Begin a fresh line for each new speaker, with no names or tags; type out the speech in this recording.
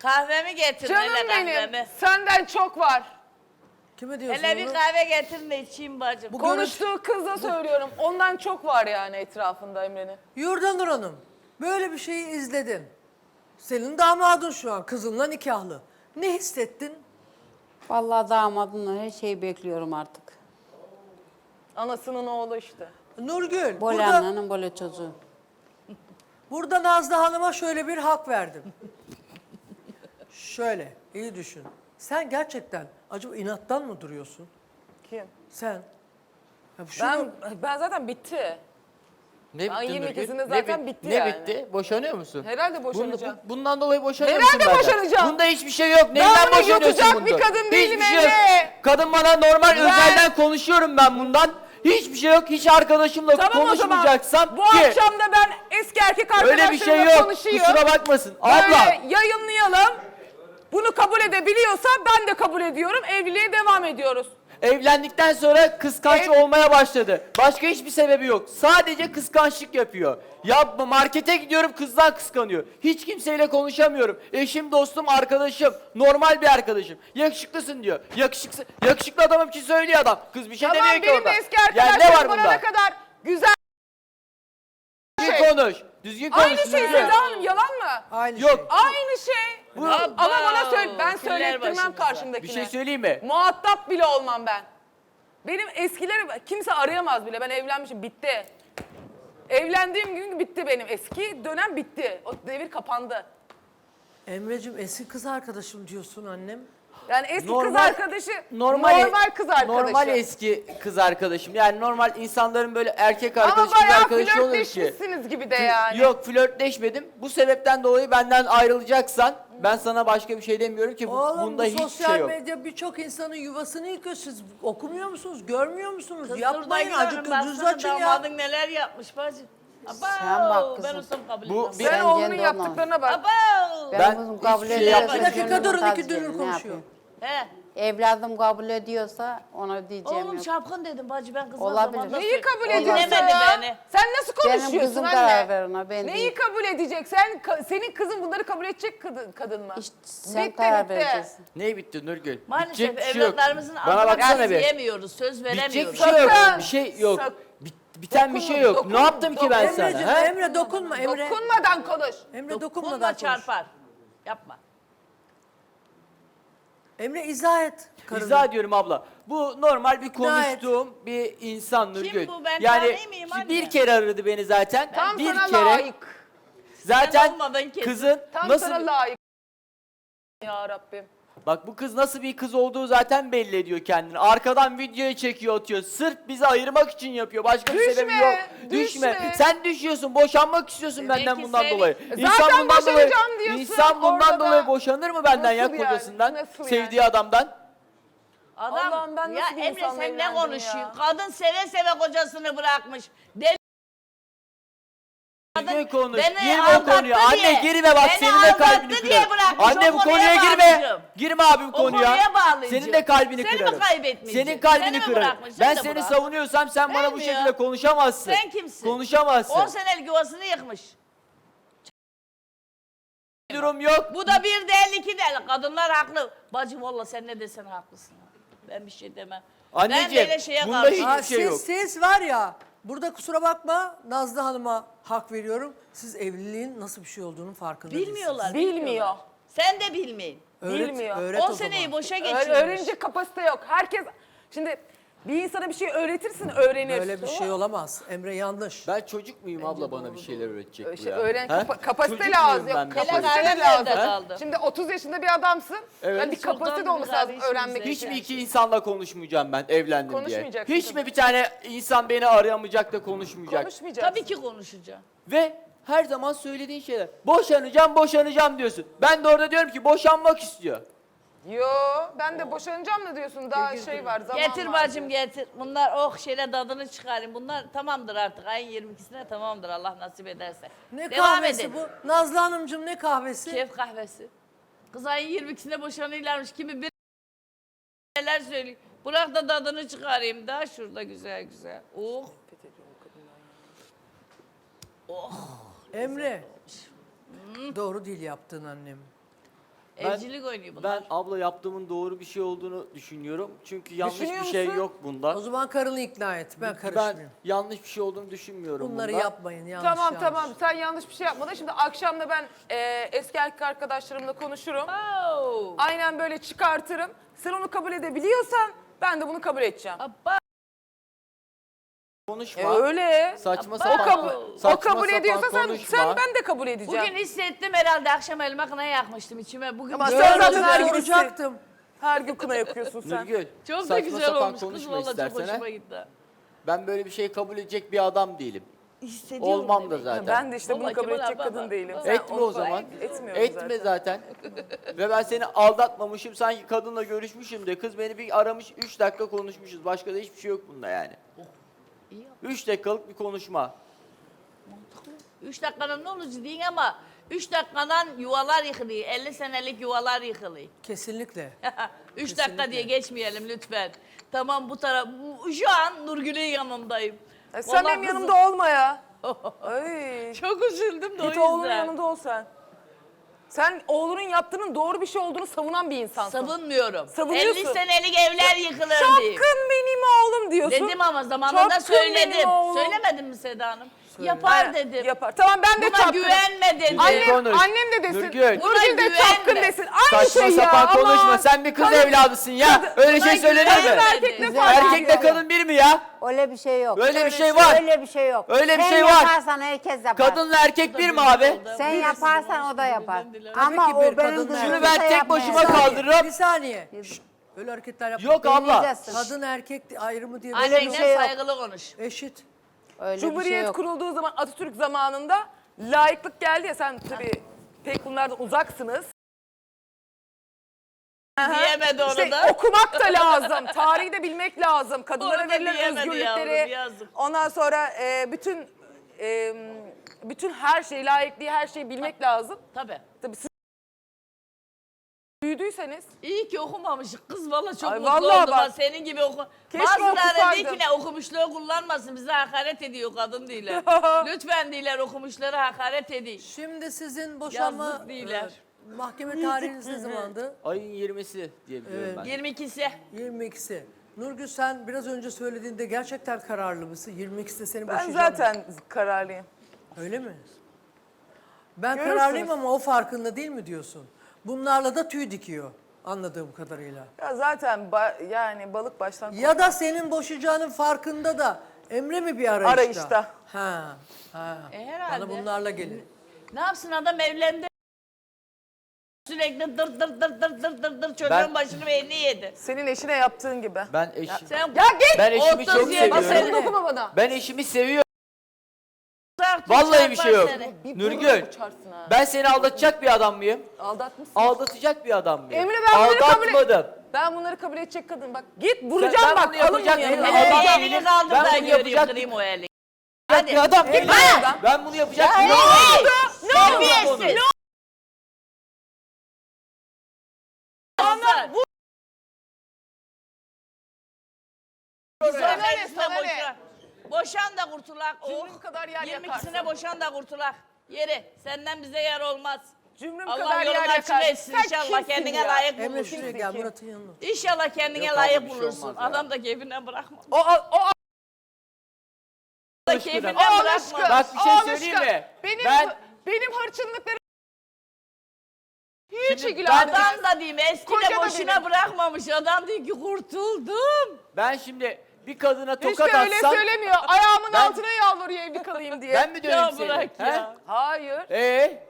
Kahvemi getirin
Canım
hele
benim,
kahvemi.
senden çok var.
Kime diyorsun
Hele bir
onu?
kahve getirin de içeyim bacım.
Konuştuğu kıza söylüyorum. Ondan çok var yani etrafında Emre'nin.
Yurdanur Hanım, böyle bir şeyi izledin. Senin damadın şu an, kızınla nikahlı. Ne hissettin?
Vallahi damadımla her şeyi bekliyorum artık.
Anasının oğlu işte.
Nurgül,
Böyle
burada,
annenin böyle çocuğu.
burada Nazlı Hanım'a şöyle bir hak verdim. Şöyle, iyi düşün. Sen gerçekten acaba inattan mı duruyorsun?
Kim?
Sen. Ya şunu-
Ben zaten bitti.
Ne
Ben
bitti
22'sinde
Nurgül?
zaten bitti
ne
yani.
bitti? Boşanıyor musun?
Herhalde boşanacağım.
Bundan dolayı boşanıyor
Herhalde
musun benden?
boşanacağım.
Bunda hiçbir şey yok. Neyden
bunu
boşanıyorsun
yutacak
bundan?
bir kadın değilim
Hiçbir şey yok.
Emre.
Kadın bana normal özelden konuşuyorum ben bundan. Hiçbir şey yok. Hiç arkadaşımla
Tamam o zaman.
konuşmayacaksam
Bu
ki.
akşam da ben eski erkek arkadaşlarımla
Öyle bir şey yok.
konuşayım.
Kusura bakmasın.
Böyle
Abla.
yayınlayalım. Bunu kabul edebiliyorsa ben de kabul ediyorum. Evliliğe devam ediyoruz.
Evlendikten sonra kıskanç olmaya başladı. Başka hiçbir sebebi yok. Sadece kıskançlık yapıyor. Ya markete gidiyorum kızdan kıskanıyor. Hiç kimseyle konuşamıyorum. Eşim, dostum, arkadaşım. Normal bir arkadaşım. Yakışıklısın diyor. Yakışıklı adamım için söylüyor adam. Kız bir şey
Tamam
demiyor ki
benim
orada.
de eski
Yani ne
arkadaşlarım
var
bana
bunda?
ne kadar güzel.
Düzgün konuş. Düzgün konuş.
Aynı şey
düzgün.
Seda Hanım, yalan mı?
Aynı
Yok.
şey.
Aynı şey. Ama bana söyle, ben
Filler
söylettirmem
başımıza.
karşımdakine.
Bir şey söyleyeyim mi?
Muhatap bile olmam ben. Benim eskileri kimse arayamaz bile. Ben evlenmişim, bitti. Evlendiğim gün bitti benim. Eski dönem bitti. O devir kapandı.
Emre'cim eski kız arkadaşım diyorsun annem.
Yani eski kız
Normal-
arkadaşı, normal kız arkadaşı.
Normal eski kız arkadaşım. Yani normal insanların böyle erkek
Ama
arkadaşı, kız
bayağı
arkadaşı olur ki.
flörtleşmişsiniz gibi de yani.
Yok flörtleşmedim. Bu sebepten dolayı benden ayrılacaksan ben sana başka bir şey demiyorum ki
Oğlum
bunda
bu
hiçbir
sosyal
şey yok.
medya birçok insanın yuvasını yıkıyor. Siz okumuyor musunuz, görmüyor musunuz?
Kız
Yapmayın,
durda
acık
gidiyorum,
gözünüzü
baksana
açın ya.
damadın neler yapmış bacım.
Sen bak kızım.
Ben olsam kabul
Bu
etmem.
bir-
Sen
Sen
oğlunun
kendi
yaptıklarına bak.
Abo!
Benim kızım kabul
hiçbir şey
ediyorsa
yapmadım.
Bir dakika
gönlüm
durun,
razı
iki dönür
gelir, ne
konuşuyor.
yapayım?
He.
Evladım kabul ediyorsa ona diyeceğim
Oğlum
yok.
şapkın dedim bacı ben kızma
Olabilir.
zamanında
Neyi kabul
Olmaz.
ediyorsun
Dinlemedi
ya?
beni.
Sen nasıl
Benim
konuşuyorsun
kızım
anne?
karar ver ona, ben
Neyi
değil.
kabul edecek? Senin kızın bunları kabul edecek kadın mı?
İşte sen
Bitti,
karar
bitti.
vereceksin.
Ne bitti Nurgül?
Maalesef
Bitecek bir şey yok.
evlatlarımızın
Bana
adına
baksana bir.
diyemiyoruz, söz
Bitecek
veremiyoruz.
bir şey yok.
Sakın.
Bir şey yok.
Sak-
Biten bir şey yok.
Dokunma,
Ne yaptım ki ben sana?
Emre'cim,
Ha?
Emre dokunma Emre.
Dokunmadan konuş.
Emre
Dokunma
dokunmadan konuş.
çarpar. Yapma.
Emre izah et. karını.
İzah ediyorum abla. Bu normal bir
İzah et.
konuştuğum bir insan Nurgül.
bu? Ben
yani
tanıyor muyum anne?
bir kere aradı beni zaten.
Tam
bir
sana
kere.
layık.
Zaten
Sen olmadan kesin.
kızın
Tam
nasıl
sana layık. Ya Rabbim.
bak bu kız nasıl bir kız olduğu zaten belli ediyor kendini. Arkadan videoyu çekiyor atıyor. Sırf bizi ayırmak için yapıyor. Başka bir
Düşme,
sebebi yok.
düşme.
Sen düşüyorsun. Boşanmak istiyorsun
Demek
benden
ki
bundan
seni-
dolayı.
Zaten boşanacağım diyorsun,
İnsan bundan
orada da-
dolayı boşanır mı benden ya
Nasıl yani?
kocasından?
Nasıl
Sevdiği
yani?
adamdan.
Adam,
Allah'ım ben
ya
nasıl bir
Emre
insanla
sen ne
evlendim
konuşuyorsun?
ya?
Kadın seve seve kocasını bırakmış. Deli
Düzgün konuş.
beni
Girme o
aldattı
konuya. Anne
diye.
girme bak
Beni
senin de kalbini
aldattı diye
kırarım.
bırakmış,
Anne
o
bu
konuya
konuya girme.
bağlayacağım.
Girme abi bu
O
konuya.
konuya bağlayacağım.
Senin de kalbini
Seni mi
kırarım.
kaybetmeyeceğim?
Senin kalbini
Seni mi
kırarım.
bırakmış?
Ben
Seni de
seni
bırak.
savunuyorsam sen bana bu
Vermiyor.
şekilde konuşamazsın.
Sen kimsin?
Konuşamazsın.
10 senelik yuvasını yıkmış.
Durum yok.
Bu da bir değil iki değil. Kadınlar haklı. Bacım valla sen ne desen haklısın. Ben bir şey demem.
Anneciğim,
ben böyle şeye
bunda
karşıyım.
hiç- şey yok.
Siz var ya, burada kusura bakma Nazlı Hanım'a hak veriyorum. Siz evliliğin nasıl bir şey olduğunun farkında değilsiniz.
Bilmiyorlar.
Bilmiyor.
Sen de bilmeyin.
Bilmiyor.
Öğret
10
o
seneyi
zaman.
boşa geçirmiş.
Öğrenecek kapasite yok. Herkes şimdi bir insana bir şey öğretirsin, öğrenir.
Böyle bir şey olamaz. Emre yanlış.
Ben çocuk muyum abla bana bir şeyler öğretecek bu
İşte
ya?
öğren
Ha?
kapasite
Çocuk
lazım.
muyum ben
Yok,
bir şey?
kapasite de
Hele
lazım.
nerede kaldı?
Şimdi 30 yaşında bir adamsın.
Evet.
Yani bir
Çoktan
kapasite de olması lazım
kardeşimize.
öğrenmek
Hiç
için.
mi iki insanla konuşmayacağım ben evlendim diye?
Konuşmayacaksın
Hiç
tabii.
mi bir tane insan beni arayamayacak da konuşmayacak?
Konuşmayacaksın.
Tabii ki konuşacağım.
Ve her zaman söylediğin şeyler. Boşanacağım, boşanacağım diyorsun. Ben de orada diyorum ki boşanmak istiyor.
Yo, ben de boşanacağım da diyorsun. Daha şey var, zaman
Getir
var.
bacım getir. Bunlar şeyle tadını çıkarayım. Bunlar tamamdır artık. Ayın 22'sine tamamdır Allah nasip ederse.
Ne
Devam
kahvesi
edin.
bu? Nazlı Hanımcığım ne kahvesi?
Keyif kahvesi. Kız ayın 22'sine boşanıyorlarmış. Kimi bir neler söylüyor. Bırak da tadını çıkarayım da şurada güzel güzel. Oh.
Emre. Doğru değil yaptığın annem.
Evcilik oynuyor bunlar.
Ben abla yaptığımın doğru bir şey olduğunu düşünüyorum. Çünkü yanlış
Düşünüyor
bir şey
musun?
yok bunda.
O zaman karını ikna et. Ben
Ben
karışmıyorum.
yanlış bir şey olduğunu düşünmüyorum
Bunları
bunda.
yapmayın. Yanlış
Tamam
yanlış.
tamam sen yanlış bir şey yapmadın. Şimdi akşam da ben eski erkek arkadaşlarımla konuşurum.
Oh.
Aynen böyle çıkartırım. Sen onu kabul edebiliyorsan ben de bunu kabul edeceğim.
Abba.
Konuşma.
Öyle.
Saçma
O,
sapan,
o
saçma
kabul
sapan
ediyorsa
konuşma.
ben de kabul edeceğim.
Bugün hissettim herhalde akşam elma kına yakmıştım içime. Bugün
Ama
güzel
sen
oldu.
zaten her gün
Soracaktım.
Her gün kına yakıyorsun sen.
Nurgül,
Çok da
saçma
güzel
sapan
olmuş kız
konuşma
valla çok
istersen.
hoşuma
ha.
gitti.
Ben böyle bir şey kabul edecek bir adam değilim.
Hissediyorum
Olmam da
demek.
zaten.
Ben de işte bunu
Vallahi
kabul
Kemal
edecek
abi,
kadın
bak.
değilim.
Bak.
Sen
Etme
onu
o zaman.
Etmiyorum
Etme zaten. Ve ben seni aldatmamışım. Sanki kadınla görüşmüşüm de. Kız beni bir aramış 3 dakika konuşmuşuz. Başka da hiçbir şey yok bunda yani.
İyi yap.
3 dakikalık bir konuşma.
3 dakikanın ne olacak deyin ama 3 dakikadan yuvalar yıkılıyor. 50 senelik yuvalar yıkılıyor.
Kesinlikle.
3 dakika diye geçmeyelim lütfen. Tamam bu taraf. Şu an Nurgül'ün yanındayım.
Sen
Vallahi
benim
kızım-
yanımda olma ya. Ay.
Çok üzüldüm de o
Git oğlunun
yüzden.
yanında ol sen. Sen oğlunun yaptığının doğru bir şey olduğunu savunan bir insansın.
Savunmuyorum.
Savunuyorsun.
50 senelik evler yıkılır diye.
Çapkın benim oğlum diyorsun.
Dedim ama zamanında
Çapkın benim
söyledim.
oğlum.
Söylemedim mi Seda Hanım? Yapar dedim.
Yapar. Tamam ben de
Buna
çapkınım.
güvenme dedim.
Anne-
Annem,
Konuş.
annem de desin.
Nurgül.
Nurgül de
Buna
çapkın
güvenme.
desin. Aynı
Saçma
şey ya.
sapan
aman.
konuşma. Sen bir kız
Kadın-
evladısın ya. Öyle şey
Buna
söylenir
güvenme.
mi?
Erkek ne
Güzel.
fark
Erkekle
ediyor?
kadın bir mi ya?
Öyle bir şey yok.
Öyle bir şey var.
Öyle bir şey yok.
Öyle bir
Sen
şey var.
yaparsan herkes yapar.
Kadınla erkek bir mi abi?
Sen yaparsan o da yapar.
Tabii
ki
Ama
bir
o benim
kadınla
kızım
Şunu
erkek-
ben
kimse
tek
yapmaya
başıma
yapar.
kaldırırım.
Bir saniye. Şşt, öyle hareketler yapma.
Yok abla.
Deneyeceksin.
Kadın erkek ayrımı diye
Öyle bir
Annenle
şey yok.
saygılı konuş.
eşit.
Öyle bir şey
Cumhuriyet
yok.
kurulduğu zaman Atatürk zamanında laiklik geldi ya sen tabii pek bunlardan uzaksınız.
Diyemedi onu
İşte
da.
okumak da lazım. Tarihi de bilmek lazım. Kadınlara
Onu da
verilen
diyemedi
özgürlükleri.
yavrum, yazık.
Ondan sonra bütün her şeyi, layıklığı her şeyi bilmek lazım.
Tabii.
Tabii siz büyüdüyseniz
İyi ki okumamışık kız valla çok
Ay
mutlu
vallahi
oldum.
bak.
Ha, senin gibi oku.
Keşke
Bazıları
okusaydım.
diyor ki ne okumuşluğu kullanmasın bize hakaret ediyor kadın değiller. Lütfen değiller okumuşları hakaret ediyor.
Şimdi sizin boşanma
Yazlık değiller.
mahkeme tarihiniz ne zamandı?
Ayın 20'si diye biliyorum ben.
22'si.
22'si. Nurgül sen biraz önce söylediğinde gerçekten kararlı mısın? 22'sinde seni
ben
boşayacağım.
zaten kararlıyım.
Öyle mi? Ben
Görürsünüz.
kararlıyım ama o farkında değil mi diyorsun? Bunlarla da tüy dikiyor anladığım kadarıyla.
Ya zaten yani balık baştan
Ya da senin boşayacağının farkında da Emre mi bir arayışta?
Arayışta.
Ha.
herhalde.
Bana bunlarla gelir.
Ne yapsın adam evlendi. Sürekli dır dır dır dır dır dır dır çocuğun
Ben-
başını ve elini yedi.
senin eşine yaptığın gibi.
Ben eşim.
Sen
Ya git!
Ben eşimi çok
30 yıl
Bak
seviyorum.
sakın dokunma bana.
Ben eşimi seviyorum.
uzak tut,
Vallahi bir şey yok.
çarpar seni.
Nurgül,
Uçarsın ha.
ben seni aldatacak bir adam mıyım?
Aldatmışsın.
Aldatacak bir adam mıyım?
Emre, ben bunları kabul et-
Aldatmadım.
Ben bunları kabul edecek kadın bak. Git vuracağım
Ben
bak.
bunu
Alın
yapacak
bunu
değilim.
yanına.
Adam
Elini
değilim.
kaldır
Ben
da
bunu
göreyim
yapacak
kırayım o elini.
bir adam değilim.
adam.
Ben bunu yapacak bir
Ne
adam
oldu?
değilim.
Terbiyesiz. Onlar bu.
Sana ne,
Meclisine
sana ne?
boşan. Boşan da kurtulak.
Cümrüm kadar yer
22'sine
yakarsın.
boşan da kurtulak. Yeri. Senden bize yer olmaz.
Cümrüm
Allah
kadar yer
yolunu açık
yakarsın.
etsin
Sen
inşallah
kimsin
kendine
ya?
layık
Emre
bulursun.
şuraya gel Murat'ın yanına.
İnşallah kendine
Yok
layık
abi, bir şey
bulursun.
olmaz ya.
Adam da keyfinden bırakma.
O
Da keyfinden
aşkı.
bırakma.
Bak bir şey
Al
söyleyeyim
aşkım.
mi?
Benim benim hırçınlıklarım hiç
Şimdi
ilgilendirmez.
Adam da diyeyim eski
Koca
de
da
boşuna
benim.
bırakmamış. Adam diyor ki kurtuldum.
Ben şimdi bir kadına
İşte
tokat
öyle
atsam
söylemiyor. Ayağımın
Ben-
altına yalvarıyor evli kalayım diye.
ben mi döveyim
Ya
seni?
bırak
He?
ya.
Hayır.